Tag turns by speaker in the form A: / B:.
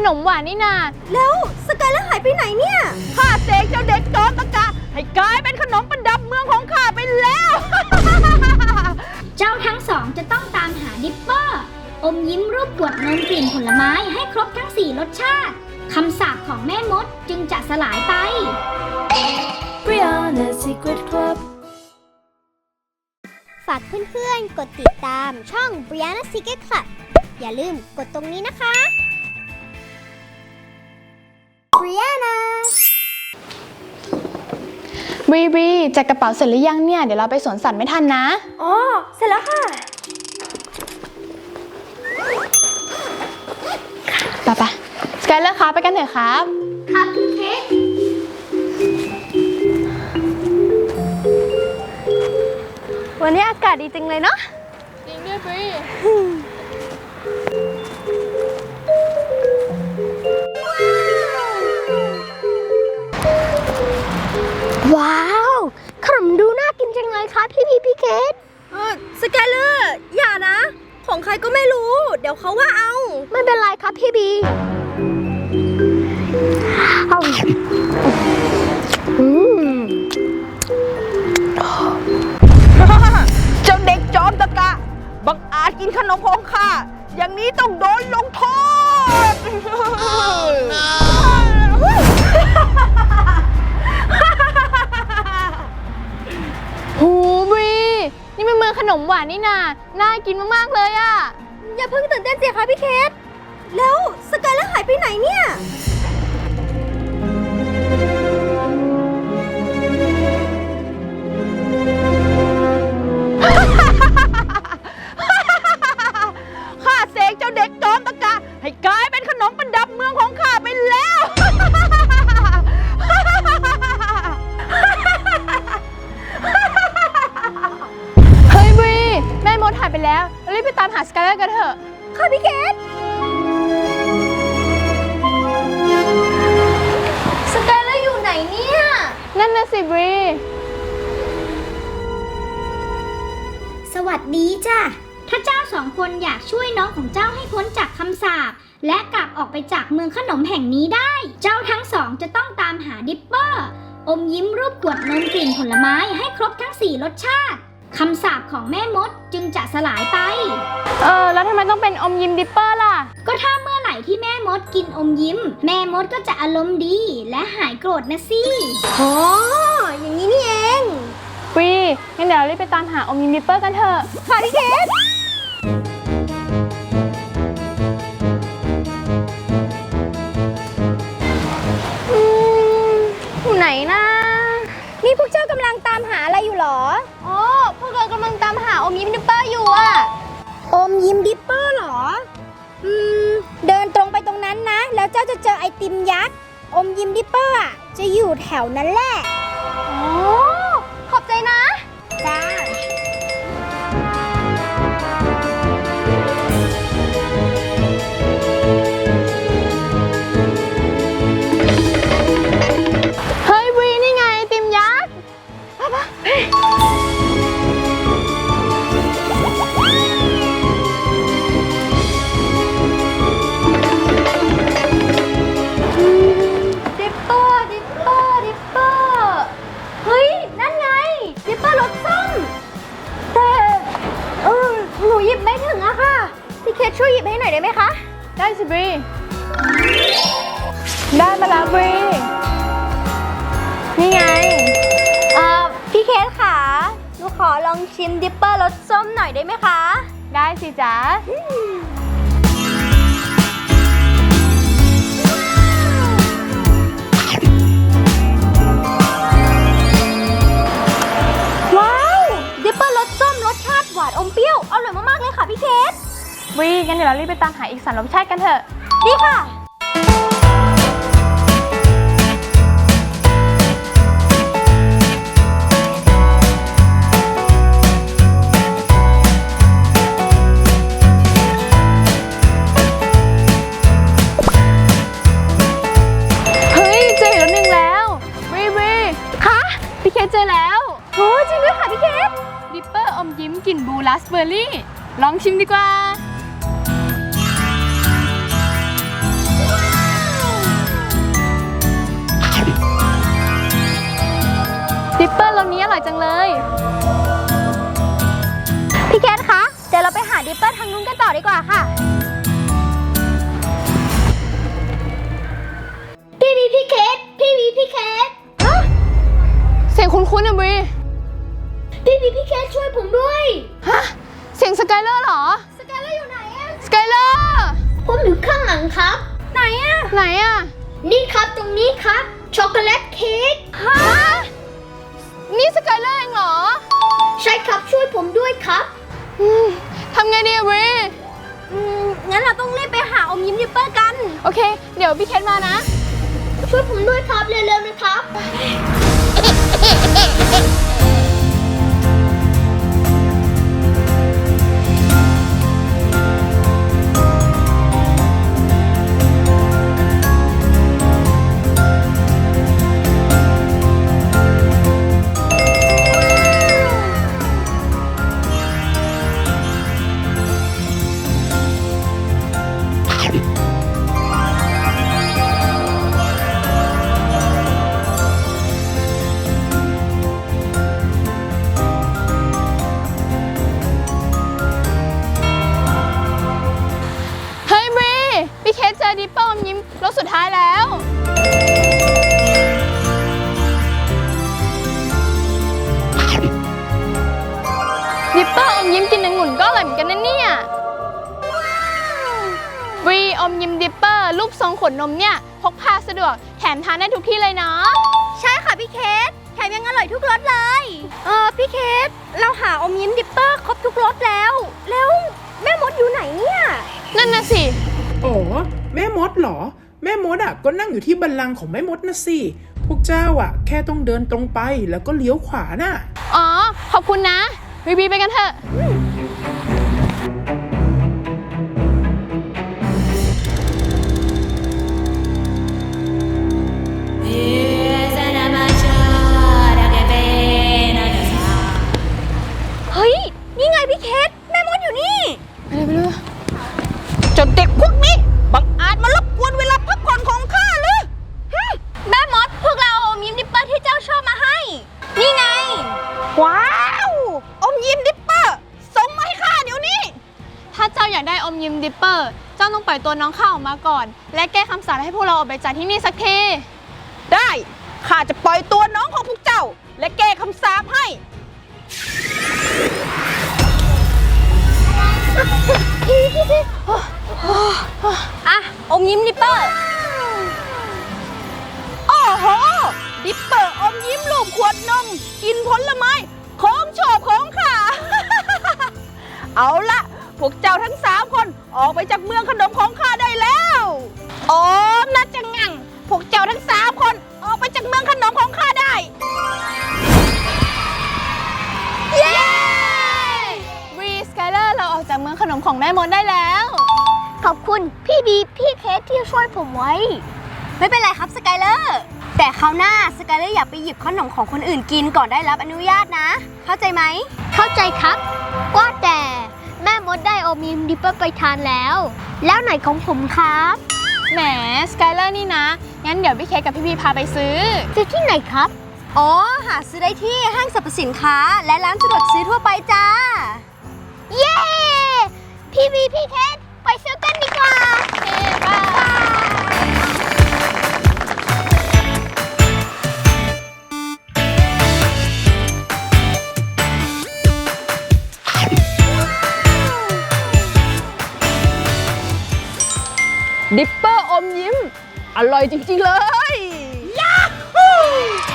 A: นมหวานนี่นา
B: แล้วสกายแล้วหายไปไหนเนี่ย
A: ข้าเสกเจ้าเด็กจอมตะกะให้กลายเป็นขนมประดับเมืองของข้าไปแล้ว
C: เจ้าทั้งสองจะต้องตามหาดิปเปอร์อมยิ้มรูปกรวดนมกลิ่นผลไม้ให้ครบทั้ง4รสชาติคำสาปของแม่มดจึงจะสลายไป
D: Brianna Secret Club
B: ฝากเพื่อนๆกดติดตามช่อง Brianna Secret Club อย่าลืมกดตรงนี้นะคะ Brianna
A: บีจัดกระเป๋าเสร็จหรือยังเนี่ยเดี๋ยวเราไปสวนสัตว์ไม่ทันนะ
B: อ๋อเสร็จแล้วค่ะ
A: ไปสกายเลอร์ครับไปกันเถอะครับ
C: ครับพี่เค้ก
B: วันนี้อากาศดีจริงเลยเนาะ
A: จริงด้วยบี
B: ว้าวขนมดูน่ากินจังเลยครับพี่เคสสกายเลอร์อย่านะของใครก็ไม่รู้เดี๋ยวเขาว่าเอาไม่เป็นไรครับพี่บีเอา
A: เจ้าเด็กจอมตะกะบังอาจกินขนมของข้าอย่างนี้ต้องโดนลงโทษหูบีนี่มันเมืองขนมหวานนี่นาน่ากินมากๆเลยอะ
B: อย่าเพิ่งตื่นเต้นสิคะพี่เคสแล้วสกายแล้วหายไปไหนเนี่ย
A: ข้าเสกเจ้าเด็กจอมตะกะให้กลายเป็นขนมประดับเมืองของข้าไปแล้วเฮ้ยบีแม่มดหายไปแล้วรีบไปตามหาสกายเลอร์กันเถอะ
B: ค่ะพี่เคสสกายเลอร์อยู่ไหนเนี่ย
A: นั่นน่ะสิบี
C: สวัสดีจ้ะถ้าเจ้าสองคนอยากช่วยน้องของเจ้าให้พ้นจากคำสาปและกลับออกไปจากเมืองขนมแห่งนี้ได้เจ้าทั้งสองจะต้องตามหาดิปเปอร์อมยิ้มรูปกรวดนมกลิ่นผลไม้ให้ครบทั้ง4รสชาติคำสาปของแม่มดจึงจะสลายไป
A: แล้วทำไมต้องเป็นอมยิ้มดิปเปอร์ล่ะ
C: ก็ถ้าเมื่อไหร่ที่แม่มดกินอมยิ้มแม่มดก็จะอารมณ์ดีและหายโกรธนะสิ
B: อ๋ออย่างนี้นี่เอง
A: บีงั้นเดี๋ยวเรารีบไปตามหาอมยิ้มดิปเปอร์กันเถอะ
B: ค่ะพี่เคสอยู่ไหนนะนี่พวกเจ้ากำลังตามหาอะไรอยู่หรออ๋อพวกเรากำลังตามหาอมยิ้มดิปเปอร์อยู่อะอมยิ้มดิปเปอร์หรอเดินตรงไปตรงนั้นนะแล้วเจ้าจะเจอไอติมยักษ์อมยิ้มดิปเปอร์อะจะอยู่แถวนั้นแหละอ๋อขอบใจนะจ้า
A: เฮ้ยบีนี่ไงไอติมยักษ์
B: ดิปเปอร์เฮ้ยนั่นไงดิปเปอร์รสส้มแต่หนูหยิบไม่ถึงอะค่ะพี่เคสช่วยหยิบให้หน่อยได้ไหมคะ
A: ได้สิบีได้มาแล้วบีนี่ไง
B: พี่เคสค่ะหนูขอลองชิมดิปเปอร์รสส้มหน่อยได้ไหมคะ
A: ได้สิจ๊ะ
B: ว้าวดิปเปอร์รสส้มรสชาติหวานอมเปรี้ยวอร่อยมากๆเลยค่ะพี่เคส
A: บีงั้นเดี๋ยวเรารีบไปตามหาอีก3รสชาติกันเถอะ
B: ดีค่ะ
A: เจอแล้ว
B: โอ้จริงด้วยค่ะพี่เคส
A: ดิปเปอร์อมยิ้มกลิ่นบลูราสเบอร์รี่ลองชิมดีกว่า
C: เคท
B: เสียงคุ้นๆอะบรี
C: พี่เคทช่วยผมด้วย
B: ฮะ เสียงสกายเลอร์เหรอ
C: สกายเลอร์อยู่ไหนอะ
B: สกายเลอร์
C: ผมอยู่ข้างหลังครับ
B: ไหนอะไหนอะ
C: นี่ครับตรงนี้ครับ ช็อกโกแลตเค้ก
B: ฮะ นี่สกายเลอร์เองเหรอ
C: ใช่ครับช่วยผมด้วยครับ
B: ทำไงดีอะบรี
C: งั้นเราต้องรีบไปหาอมยิ้มดิปเปอร์กัน
B: โอเค เดี๋ยวพี่เคทมานะ
C: ช่วยผมด้วยครับเร็วๆนะครับ
B: เฮ้ยบรี พี่เคทเจอดิปเปอร์อมยิ้มรถสุดท้ายแล้ว ดิปเปอร์อมยิ้มกินองุ่นก็อร่อยเหมือนกันนะเนี่ยบรีอมยิ้มดิปเปอร์รูปทรงขวดนมเนี่ยพกพาสะดวกแถมทานได้ทุกที่เลยเนาะ
C: ใช่ค่ะพี่เคทแถมยังอร่อยทุกรสเลย พี่เคทเราหาอมยิ้มดิปเปอร์ครบทุกรสแล้ว แล้วแม่มดอยู่ไหนเนี่ย
B: นั่นน่ะสิ
D: อ๋อแม่มดเหรอ แม่มดอ่ะก็นั่งอยู่ที่บัลลังก์ของแม่มดนะสิพวกเจ้าอ่ะแค่ต้องเดินตรงไปแล้วก็เลี้ยวขวาน่ะ
B: อ๋อ ขอบคุณนะบรีไปกันเถอะ
C: เฮ้ย นี่ไงพี่เคทแม่มดอยู่นี่
B: ไปเลยไปเลย
A: เจ้าเด็กพวกนี้บังอาจมารบกวนเวลาพักผ่อนของข้าหรือ
C: แม่มดพวกเราเอาอมยิ้มดิปเปอร์ที่เจ้าชอบมาให้ นี่ไง
A: ว้าวอมยิ้มดิปเปอร์ส่งมาให้ข้าเดี๋ยวนี้
B: ถ้าเจ้าอยากได้อมยิ้มดิปเปอร์ เจ้าต้องปล่อยตัวน้องข้าออกมาก่อน และแก้คำสาปให้พวกเราออกไปจากที่นี่สักที
A: ได้ข้าจะปล่อยตัวน้องของพวกเจ้า และแก้คำสาปให้
C: อ่ะ อมยิ้มดิปเปอร์
A: โอ้โห ดิปเปอร์อมยิ้มรูปขวดนม กินผลไม้ของชอบของข้า เอาละพวกเจ้าทั้ง3 คนออกไปจากเมืองขนมของข้าได้แล้วโอ้น่าจะงังพวกเจ้าทั้ง3 คนออกไปจากเมืองขนมของข้าได้
B: เย้บรีสกายเลอร์เราออกจากเมืองขนมของแม่มดได้แล้ว
C: ขอบคุณพี่บีพี่เคทที่ช่วยผมไว้ ไม่เป็นไรครับสกายเลอร์แต่คราวหน้าสกายเลอร์อย่าไปหยิบขนมของคนอื่นกินก่อนได้รับอนุญาตนะ เข้าใจไหม เข้าใจครับว่าแต่แม่มดได้อมยิ้มดิปเปอร์ไปทานแล้ว แล้วไหนของผมครับ
B: แหมสกายเลอร์นี่นะ งั้นเดี๋ยวพี่เคทกับพี่บีพาไปซื้อ
C: ซื้อที่ไหนครับ อ๋อ หาซื้อได้ที่ห้างสรรพสินค้า และร้านสะดวกซื้อทั่วไปจ้า เย้ พี่บีพี่เคทไปซื้อกันดีกว่า
A: ดิปเปอร์อมยิ้ม อร่อยจริงๆเลย ยาฮู